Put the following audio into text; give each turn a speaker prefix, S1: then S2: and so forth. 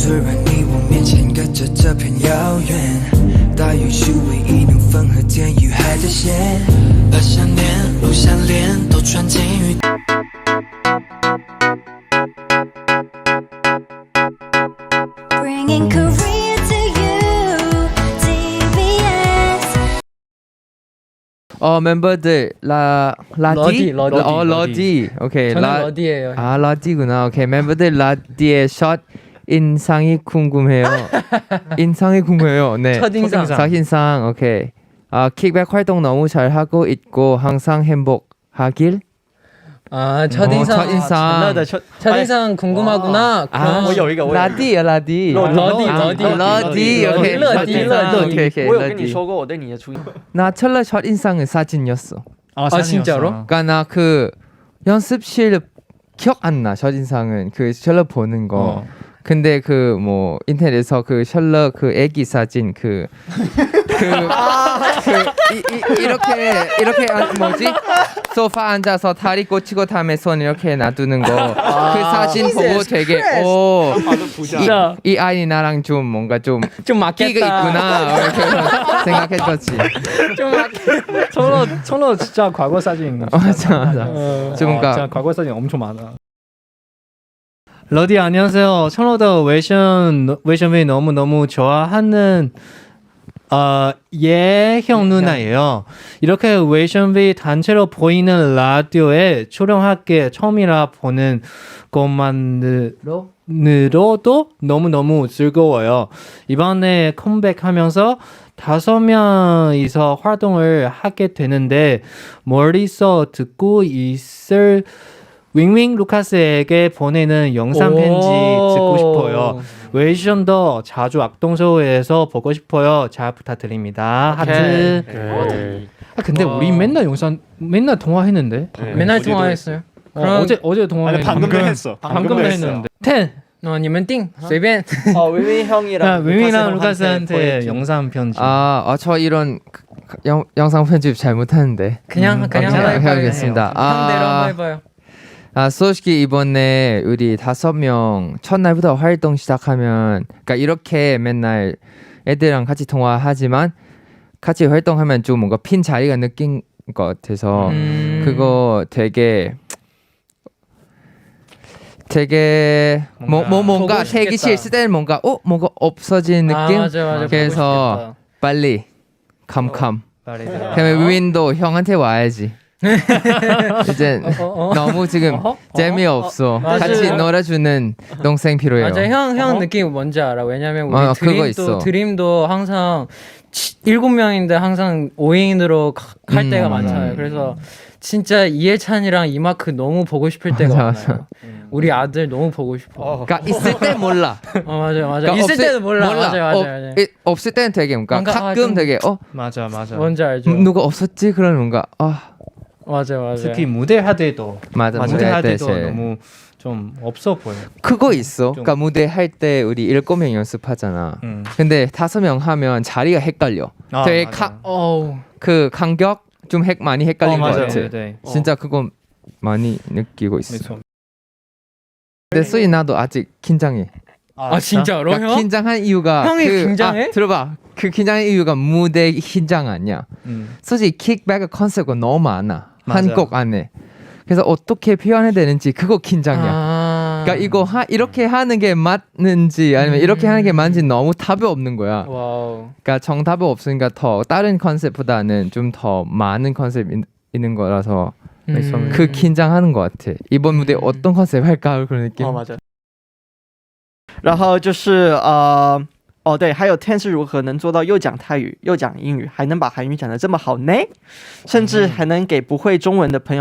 S1: 虽然你我面前隔着这片遥远，大约是唯一能分和天与海的线，把想念不想恋都穿进雨。
S2: Bringing Korea to you, TBS.
S3: 멤버들 라디? 러디. 오케이.
S4: 저는 러디예요.
S3: 러디구나. 오케이. 멤버들 라디의 샷 인상이 궁금해요. 인상이 궁금해요. 네. 첫인상. 오케이. 킥백 활동 너무 잘하고 있고 항상 행복하길.
S4: 첫인상 궁금하구나.
S3: 라디.
S4: 러디.
S3: 오케이.
S5: 오케이. 我有跟你说过我对你的初印
S3: 나 철라 첫인상은 사진이었어.
S4: 진짜로?
S3: 그러니까 나 그 연습실 기억 안 나. 첫인상은 그 철라 보는 거. 근데 그 뭐 인터넷에서 그 셜러 그 애기 사진 이렇게 뭐지 소파 앉아서 다리 꽂히고 다음에 손 이렇게 놔두는 거 그 사진 보고 되게 이 아이 나랑 좀 뭔가 좀
S4: 맞겠다.
S3: 끼가 있구나 이렇게 생각했었지.
S4: 좀 맞겠다.
S6: 청로 진짜 과거 사진.
S3: 맞아. 좀
S6: 진짜 과거 사진 엄청 많아. 러디 안녕하세요. 청로도 웨이션웨이 너무 좋아하는 예형 누나예요. 이렇게 웨이션웨이 단체로 보이는 라디오에 출연하게 처음이라 보는 것만으로도 너무 즐거워요. 이번에 컴백하면서 5명이서 활동을 하게 되는데 멀리서 듣고 있을 윙윙 루카스에게 보내는 영상 편지 듣고 싶어요. 웨이션도 자주 악동쇼에서 보고 싶어요. 잘 부탁드립니다. 하트. 근데 우리 맨날 통화했는데.
S4: 맨날 통화했어요.
S6: 어제 통화했는데.
S7: 방금도 했어.
S6: 방금도 했는데.
S4: 你们定随便.
S5: 윙윙 형이랑
S6: 윙윙이랑 루카스한테 영상 편지.
S3: 저 이런 영상 편집 잘 못하는데.
S4: 그냥
S3: 해야겠습니다.
S4: 형대로 한번 해봐요.
S3: 솔직히 이번에 우리 5명 첫날부터 활동 시작하면 그러니까 이렇게 맨날 애들이랑 같이 통화하지만 같이 활동하면 좀 뭔가 핀 자리가 느낀 것 같아서 그거 되게 뭔가 대기실 있을 때는 뭔가 없어지는 느낌.
S4: 맞아.
S3: 그래서 빨리 캄캄. 그러면 윈도 형한테 와야지. 이제 너무 지금 재미없어. 같이 놀아주는 동생 필요해요.
S4: 맞아, 형 느낌 뭔지 알아. 왜냐면 우리 드림도 항상 7명인데 항상 5인으로 갈 때가 많잖아요. 그래서 진짜 이해찬이랑 이마크 너무 보고 싶을 때가 많아요. 우리 아들 너무 보고 싶어.
S3: 그러니까 있을 때 몰라.
S4: 맞아.
S3: 그러니까
S4: 있을 때도 몰라. 맞아.
S3: 없을 때는 되게 뭔가 가끔 되게
S6: 맞아.
S4: 뭔지 알죠.
S3: 누가 없었지? 그런 뭔가
S4: 맞아.
S6: 특히 무대 할 때도
S3: 무대 할 때
S6: 너무 좀 없어 보여.
S3: 그거 있어. 그러니까 무대 할 때 우리 7명 연습하잖아. 근데 5명 하면 자리가 헷갈려. 되게 그 간격 좀 많이 헷갈린 것 같아.
S6: 네.
S3: 진짜 그건 많이 느끼고 있어. 근데 수이 나도 아직 긴장해.
S4: 진짜로?
S3: 그러니까
S4: 형?
S3: 긴장한 이유가
S4: 형이 긴장해?
S3: 들어봐. 그 긴장한 이유가 무대 긴장 아니야. 솔직히 킥백 컨셉이 너무 많아. 한 곡 안에. 그래서 어떻게 표현해야 되는지 그거 긴장이야. 그러니까 이거 이렇게 하는 게 맞는지 아니면 이렇게 하는 게 맞는지 너무 답이 없는 거야.
S4: 와우.
S3: 그러니까 정답이 없으니까 더 다른 컨셉보다는 좀 더 많은 컨셉 있는 거라서 그 긴장하는 것 같아. 이번 무대 어떤 컨셉 할까 그런 느낌.
S5: 맞아. 然后就是对，还有 Ten 是如何能做到又讲泰语又讲英语，还能把韩语讲得这么好呢？甚至还能给不会中文的朋友